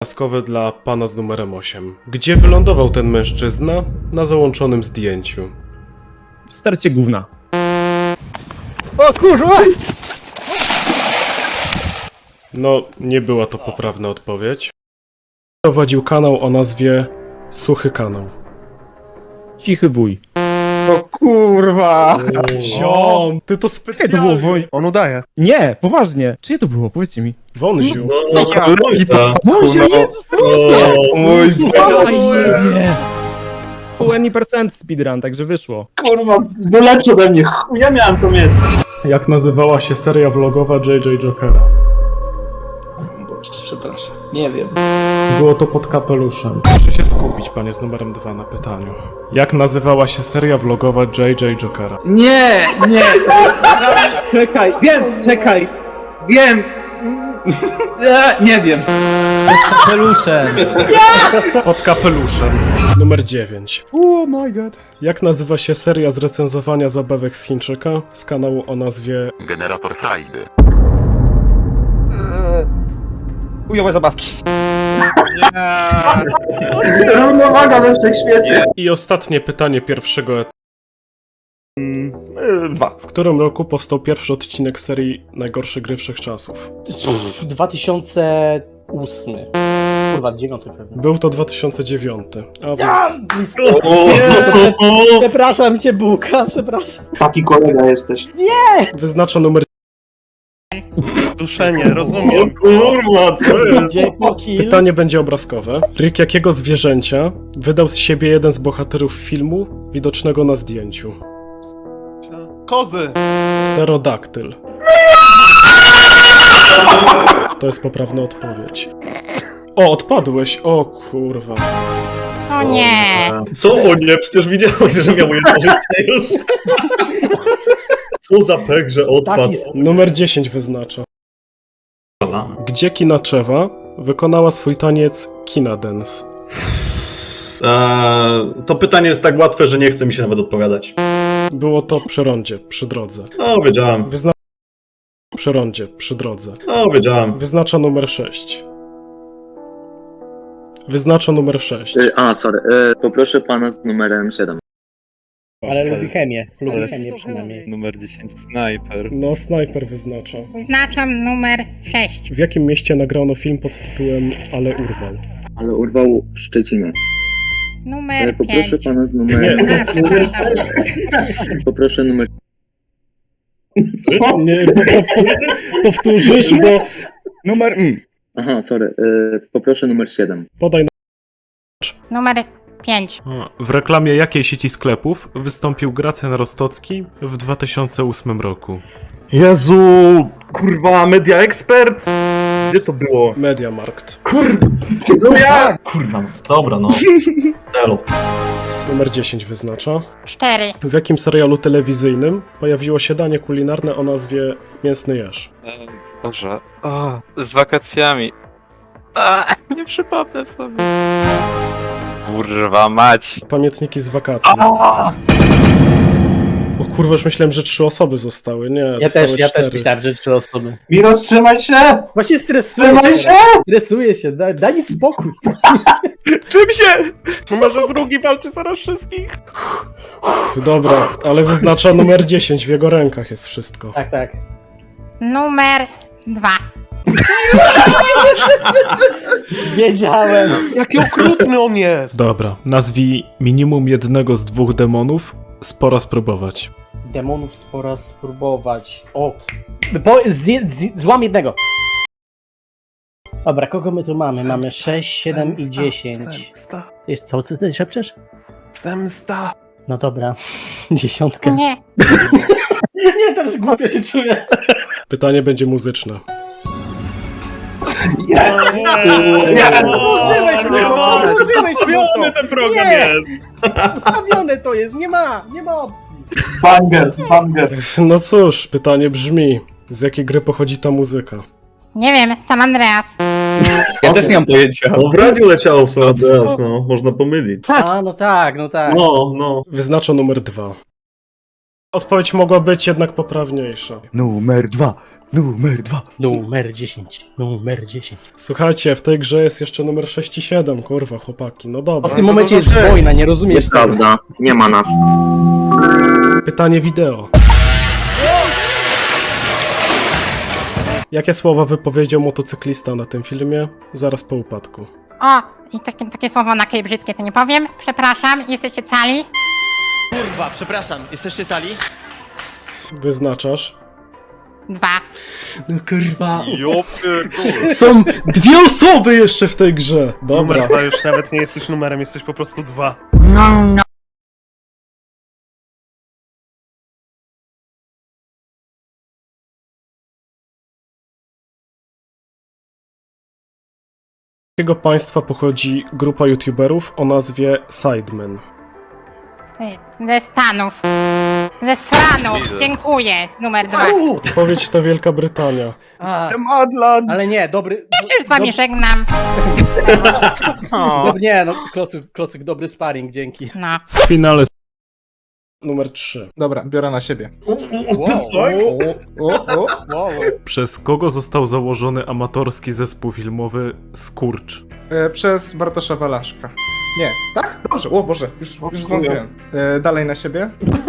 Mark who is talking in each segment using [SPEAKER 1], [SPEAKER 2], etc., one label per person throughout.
[SPEAKER 1] Łaskowe dla pana z numerem 8. Gdzie wylądował ten mężczyzna na załączonym zdjęciu?
[SPEAKER 2] W stercie gówna. O kurwa!
[SPEAKER 1] No, nie była to poprawna odpowiedź. Prowadził kanał o nazwie Suchy Kanał.
[SPEAKER 2] Cichy wuj.
[SPEAKER 3] O kurwa!
[SPEAKER 1] Ziom, ty to
[SPEAKER 2] Jakie to
[SPEAKER 1] specjalnie.
[SPEAKER 2] było woj...
[SPEAKER 3] On udaje.
[SPEAKER 2] Nie, poważnie. Czyje to było? Powiedzcie mi.
[SPEAKER 1] Wąziu.
[SPEAKER 2] Boże, Jezus Maria!
[SPEAKER 3] Mój
[SPEAKER 2] Ajebie! Full any percent speedrun, także wyszło.
[SPEAKER 4] Kurwa, był lepszy ode mnie. Ja miałem to mieć.
[SPEAKER 1] Jak nazywała się seria vlogowa JJ Jokera?
[SPEAKER 4] Przepraszam. Nie wiem.
[SPEAKER 1] Było to pod kapeluszem. Proszę się skupić, panie z numerem 2 na pytaniu. Jak nazywała się seria vlogowa JJ Jokera?
[SPEAKER 4] Nie, nie. Czekaj, czekaj. Wiem. Nie wiem.
[SPEAKER 2] Peluszem.
[SPEAKER 1] Pod kapeluszem. Numer 9.
[SPEAKER 2] Oh my god.
[SPEAKER 1] Jak nazywa się seria z recenzowania zabawek z Chińczyka z kanału o nazwie
[SPEAKER 5] Generator frajdy.
[SPEAKER 3] Chujowe zabawki.
[SPEAKER 4] Równowaga we wszechświecie.
[SPEAKER 1] I ostatnie pytanie pierwszego etapu.
[SPEAKER 3] 2.
[SPEAKER 1] W którym roku powstał pierwszy odcinek serii Najgorsze gry wszechczasów?
[SPEAKER 6] 2008. Kurwa, 9 pewnie.
[SPEAKER 1] Był to 2009. A
[SPEAKER 6] Blisko. Przepraszam cię, Bułka, przepraszam.
[SPEAKER 4] Taki kolega jesteś.
[SPEAKER 1] wyznacza numer.
[SPEAKER 3] Duszenie, rozumiem.
[SPEAKER 4] Kurwa, co jest?
[SPEAKER 6] Gdzie po kill?
[SPEAKER 1] Pytanie będzie obrazkowe. Rick jakiego zwierzęcia wydał z siebie jeden z bohaterów filmu widocznego na zdjęciu?
[SPEAKER 3] Kozy.
[SPEAKER 1] Pterodaktyl. To jest poprawna odpowiedź. O, odpadłeś! O kurwa.
[SPEAKER 7] O nie!
[SPEAKER 8] Co o nie? Przecież widziałeś, że miał jedno życie już. Co za pek, że odpadł.
[SPEAKER 6] Taki
[SPEAKER 1] Numer 10 wyznacza. Gdzie Kinaczewa wykonała swój taniec Kina Dance?
[SPEAKER 8] To pytanie jest tak łatwe, że nie chce mi się nawet odpowiadać.
[SPEAKER 1] Było to przy rondzie, przy drodze.
[SPEAKER 8] No, wiedziałem.
[SPEAKER 1] Przy rondzie, przy drodze.
[SPEAKER 8] No, wiedziałem.
[SPEAKER 1] Wyznacza numer 6. Wyznacza numer 6.
[SPEAKER 9] Poproszę pana z numerem 7.
[SPEAKER 6] Ale lubi chemię. Lubi chemię przynajmniej.
[SPEAKER 3] Numer 10, snajper.
[SPEAKER 1] No, snajper wyznacza.
[SPEAKER 7] Wyznaczam numer 6.
[SPEAKER 1] W jakim mieście nagrano film pod tytułem Ale urwał?
[SPEAKER 9] Ale urwał w Szczecinie.
[SPEAKER 7] Numer 5.
[SPEAKER 9] Poproszę pana z numerem...
[SPEAKER 7] A, przepraszam.
[SPEAKER 9] Poproszę numer...
[SPEAKER 1] Nie, powtórzysz, bo
[SPEAKER 3] Numer...
[SPEAKER 9] Aha, sorry. Poproszę numer 7.
[SPEAKER 1] podaj.
[SPEAKER 7] Numer 5.
[SPEAKER 1] W reklamie jakiej sieci sklepów wystąpił Gracjan Rostocki w 2008 roku?
[SPEAKER 8] Jezu, kurwa, Media Expert? Gdzie to było?
[SPEAKER 1] Mediamarkt.
[SPEAKER 8] No ja! Kurwa, dobra, no. Elo.
[SPEAKER 1] Numer 10 wyznacza.
[SPEAKER 7] 4.
[SPEAKER 1] W jakim serialu telewizyjnym pojawiło się danie kulinarne o nazwie Mięsny Jeż?
[SPEAKER 3] Boże. Z wakacjami. Nie przypomnę sobie. Kurwa mać.
[SPEAKER 1] Pamiętniki z wakacji. O kurwa, już myślałem, że 3 osoby zostały. Nie,
[SPEAKER 6] Ja
[SPEAKER 1] zostały
[SPEAKER 6] też
[SPEAKER 1] 4.
[SPEAKER 6] myślałem, że 3 osoby.
[SPEAKER 4] Miros, trzymaj się!
[SPEAKER 6] Właśnie stresuję
[SPEAKER 4] Trzymaj
[SPEAKER 6] się.
[SPEAKER 4] się!
[SPEAKER 6] Stresuję się, daj mi spokój.
[SPEAKER 3] Czym się? Może drugi walczy zaraz wszystkich?
[SPEAKER 1] Dobra, ale wyznacza numer 10, w jego rękach jest wszystko.
[SPEAKER 6] Tak, tak.
[SPEAKER 7] Numer 2.
[SPEAKER 6] Wiedziałem.
[SPEAKER 3] Jaki okrutny on jest!
[SPEAKER 1] Dobra, nazwij minimum jednego z 2 demonów, spora spróbować.
[SPEAKER 6] Demonów spora spróbować. O. Złam jednego. Dobra, kogo my tu mamy? Mamy 6, 7 i 10.
[SPEAKER 3] Zemsta.
[SPEAKER 6] Jest co ty szepczesz?
[SPEAKER 3] Zemsta.
[SPEAKER 6] No dobra. 10.
[SPEAKER 7] Nie.
[SPEAKER 6] Nie, teraz głupio się czuję.
[SPEAKER 1] Pytanie będzie muzyczne.
[SPEAKER 6] Użyłeś mnie, użyłeś mnie.
[SPEAKER 8] ten program
[SPEAKER 6] Nie.
[SPEAKER 8] jest.
[SPEAKER 6] Ustawione to jest, nie ma opcji.
[SPEAKER 4] Banger, banger.
[SPEAKER 1] No cóż, pytanie brzmi, z jakiej gry pochodzi ta muzyka?
[SPEAKER 7] Nie wiem, San Andreas.
[SPEAKER 3] Ja też nie mam pojęcia.
[SPEAKER 8] No w radiu leciało San Andreas, no. Można pomylić.
[SPEAKER 6] A, no tak, no tak.
[SPEAKER 8] No, no.
[SPEAKER 1] Wyznacza numer 2. Odpowiedź mogła być jednak poprawniejsza.
[SPEAKER 5] Numer 2. Numer 2.
[SPEAKER 6] Numer 10. Numer 10.
[SPEAKER 1] Słuchajcie, w tej grze jest jeszcze numer 6 i 7, kurwa, chłopaki. No
[SPEAKER 6] A
[SPEAKER 1] dobra.
[SPEAKER 6] w tym momencie jest wojna, nie rozumiesz tego.
[SPEAKER 9] Nieprawda, nie ma nas.
[SPEAKER 1] Pytanie wideo. Jakie słowa wypowiedział motocyklista na tym filmie zaraz po upadku?
[SPEAKER 7] O, i takie słowo na kej brzydkie to nie powiem. Przepraszam, jesteście cali?
[SPEAKER 10] Kurwa, przepraszam, jesteście sali?
[SPEAKER 1] Wyznaczasz?
[SPEAKER 7] 2.
[SPEAKER 6] No kurwa.
[SPEAKER 3] Jo pierdolę.
[SPEAKER 1] Są dwie osoby jeszcze w tej grze.
[SPEAKER 3] Numer
[SPEAKER 1] Dobra.
[SPEAKER 3] 2 już nawet nie jesteś numerem, jesteś po prostu 2.
[SPEAKER 1] Z jakiego państwa pochodzi grupa youtuberów o nazwie Sidemen?
[SPEAKER 7] Ze Stanów. Ze Stanów. Dziękuję. Numer 2.
[SPEAKER 1] Odpowiedź to Wielka Brytania.
[SPEAKER 6] A,
[SPEAKER 2] Madlan!
[SPEAKER 6] ale nie, dobry...
[SPEAKER 7] Ja się już z wami żegnam.
[SPEAKER 6] Nie, no, klocyk, dobry sparring, dzięki.
[SPEAKER 7] No.
[SPEAKER 1] W finale numer 3.
[SPEAKER 2] Dobra, biorę na siebie.
[SPEAKER 6] Wow.
[SPEAKER 1] Przez kogo został założony amatorski zespół filmowy Skurcz?
[SPEAKER 2] Przez Bartosza Walaszka. Nie, tak? Dobrze, o Boże, już zwątpiłem. Dalej na siebie.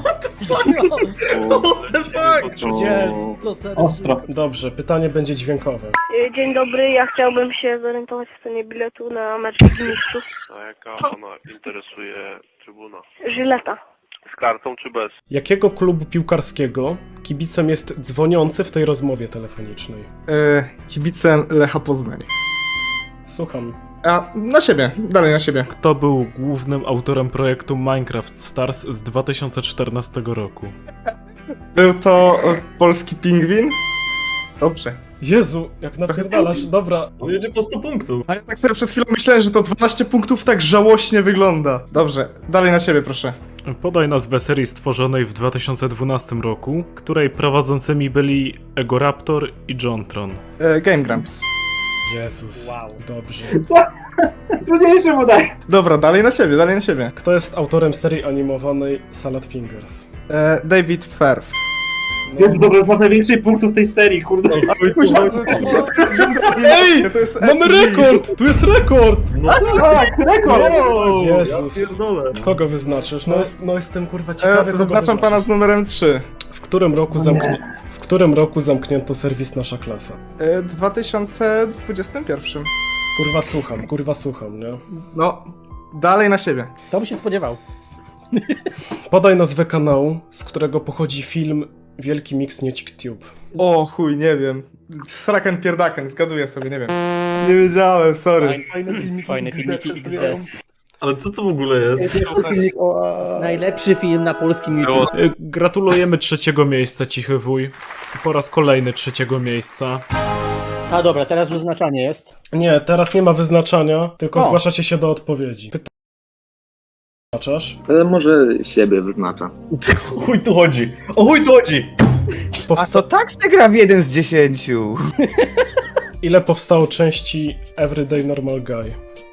[SPEAKER 6] What the fuck? Jezus, co serio?
[SPEAKER 4] Ostro.
[SPEAKER 1] Dobrze, pytanie będzie dźwiękowe.
[SPEAKER 11] Dzień dobry, ja chciałbym się zorientować w cenie biletu na mecz Ligi Mistrzów.
[SPEAKER 3] A jaka pana interesuje trybuna?
[SPEAKER 11] Żyleta.
[SPEAKER 3] Z kartą czy bez?
[SPEAKER 1] Jakiego klubu piłkarskiego kibicem jest dzwoniący w tej rozmowie telefonicznej?
[SPEAKER 2] Kibicem Lecha Poznań.
[SPEAKER 1] Słucham.
[SPEAKER 2] A, na siebie, dalej na siebie.
[SPEAKER 1] Kto był głównym autorem projektu Minecraft Stars z 2014 roku?
[SPEAKER 2] Był to polski pingwin? Dobrze.
[SPEAKER 1] Jezu, jak napierdalasz, dobra.
[SPEAKER 8] On jedzie po 100 punktów.
[SPEAKER 2] A ja tak sobie przed chwilą myślałem, że to 12 punktów tak żałośnie wygląda. Dobrze, dalej na siebie proszę.
[SPEAKER 1] Podaj nazwę serii stworzonej w 2012 roku, której prowadzącymi byli Egoraptor i Jontron.
[SPEAKER 2] Game Grumps.
[SPEAKER 1] Jezus,
[SPEAKER 6] Wow.
[SPEAKER 1] dobrze.
[SPEAKER 4] Trudniejsze mu daj.
[SPEAKER 2] Dobra, dalej na siebie, dalej na siebie.
[SPEAKER 1] Kto jest autorem serii animowanej Salad Fingers?
[SPEAKER 2] David Firth.
[SPEAKER 1] No,
[SPEAKER 4] Jest dobrze, masz najwięcej punktów tej serii, kurde.
[SPEAKER 2] Ej, to jest
[SPEAKER 1] mamy rekord! Tu jest rekord!
[SPEAKER 8] No
[SPEAKER 4] Tak, rekord!
[SPEAKER 1] Jezus.
[SPEAKER 8] Pierdolę.
[SPEAKER 1] Kogo wyznaczysz? No jestem kurwa ciekawy, kogo
[SPEAKER 2] Wyznaczam pana z numerem 3.
[SPEAKER 1] W którym roku zamknięto serwis Nasza Klasa?
[SPEAKER 2] 2021.
[SPEAKER 1] Kurwa słucham, nie?
[SPEAKER 2] No, dalej na siebie.
[SPEAKER 6] To by się spodziewał.
[SPEAKER 1] Podaj nazwę kanału, z którego pochodzi film Wielki Mix Niecik Tube.
[SPEAKER 2] O chuj, nie wiem. Sraken pierdaken, zgaduję sobie, nie wiem. Nie wiedziałem, sorry.
[SPEAKER 6] Fajne filmiki XD.
[SPEAKER 8] Ale co to w ogóle jest?
[SPEAKER 6] Najlepszy film na polskim YouTube.
[SPEAKER 1] Gratulujemy 3. miejsca, Cichy Wuj. Po raz kolejny 3. miejsca.
[SPEAKER 6] A dobra, teraz wyznaczanie jest.
[SPEAKER 1] Nie, teraz nie ma wyznaczania, tylko
[SPEAKER 6] O.
[SPEAKER 1] zgłaszacie się do odpowiedzi. Wyznaczasz?
[SPEAKER 9] Może siebie wyznacza.
[SPEAKER 8] O chuj tu chodzi? O chuj tu chodzi?
[SPEAKER 5] tak się gra w 1 z 10.
[SPEAKER 1] Ile powstało części Everyday Normal Guy?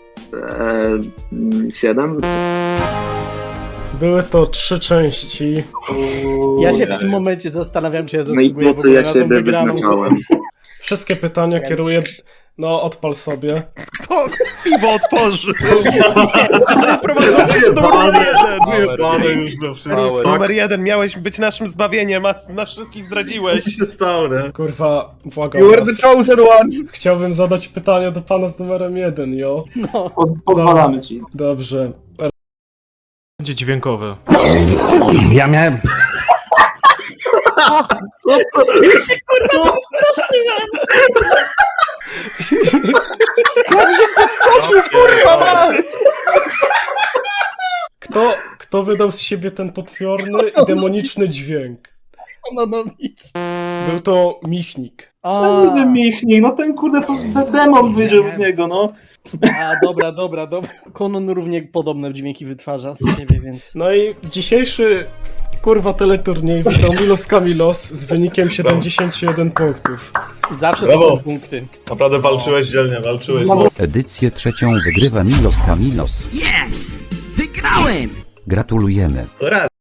[SPEAKER 9] 7?
[SPEAKER 1] Były to 3 części.
[SPEAKER 6] Ja się w tym momencie zastanawiam się,
[SPEAKER 9] No i po co ja siebie wyznaczałem?
[SPEAKER 1] Wszystkie pytania kieruję... No, odpal sobie.
[SPEAKER 3] Piwo otworzy! Prowadzący do numer 1!
[SPEAKER 8] Wyjebane już do wszystkich.
[SPEAKER 3] Numer 1, miałeś być naszym zbawieniem, a nas wszystkich zdradziłeś.
[SPEAKER 8] Co się stało, nie?
[SPEAKER 1] Kurwa, błagam
[SPEAKER 2] You were
[SPEAKER 1] was.
[SPEAKER 2] the chosen one!
[SPEAKER 1] Chciałbym zadać pytanie do pana z numerem 1, jo?
[SPEAKER 6] No.
[SPEAKER 4] Pozwalamy ci.
[SPEAKER 1] Dobrze. Będzie dźwiękowe.
[SPEAKER 5] Ja miałem...
[SPEAKER 1] Kto wydał z siebie ten potworny i demoniczny dźwięk?
[SPEAKER 6] No,
[SPEAKER 1] Był to Michnik.
[SPEAKER 4] Kurde Michnik, no ten kurde co demon wyjdzie z niego, no.
[SPEAKER 6] dobra. Konon równie podobne dźwięki wytwarza z siebie, więc...
[SPEAKER 1] No i dzisiejszy kurwa teleturniej wygrał Milos Kamilos z wynikiem 71 punktów.
[SPEAKER 6] Zawsze
[SPEAKER 8] Brawo.
[SPEAKER 6] to są punkty.
[SPEAKER 8] Naprawdę walczyłeś dzielnie, walczyłeś.
[SPEAKER 5] Edycję 3 wygrywa Milos Kamilos.
[SPEAKER 10] Yes! Wygrałem!
[SPEAKER 5] Gratulujemy.
[SPEAKER 8] To raz.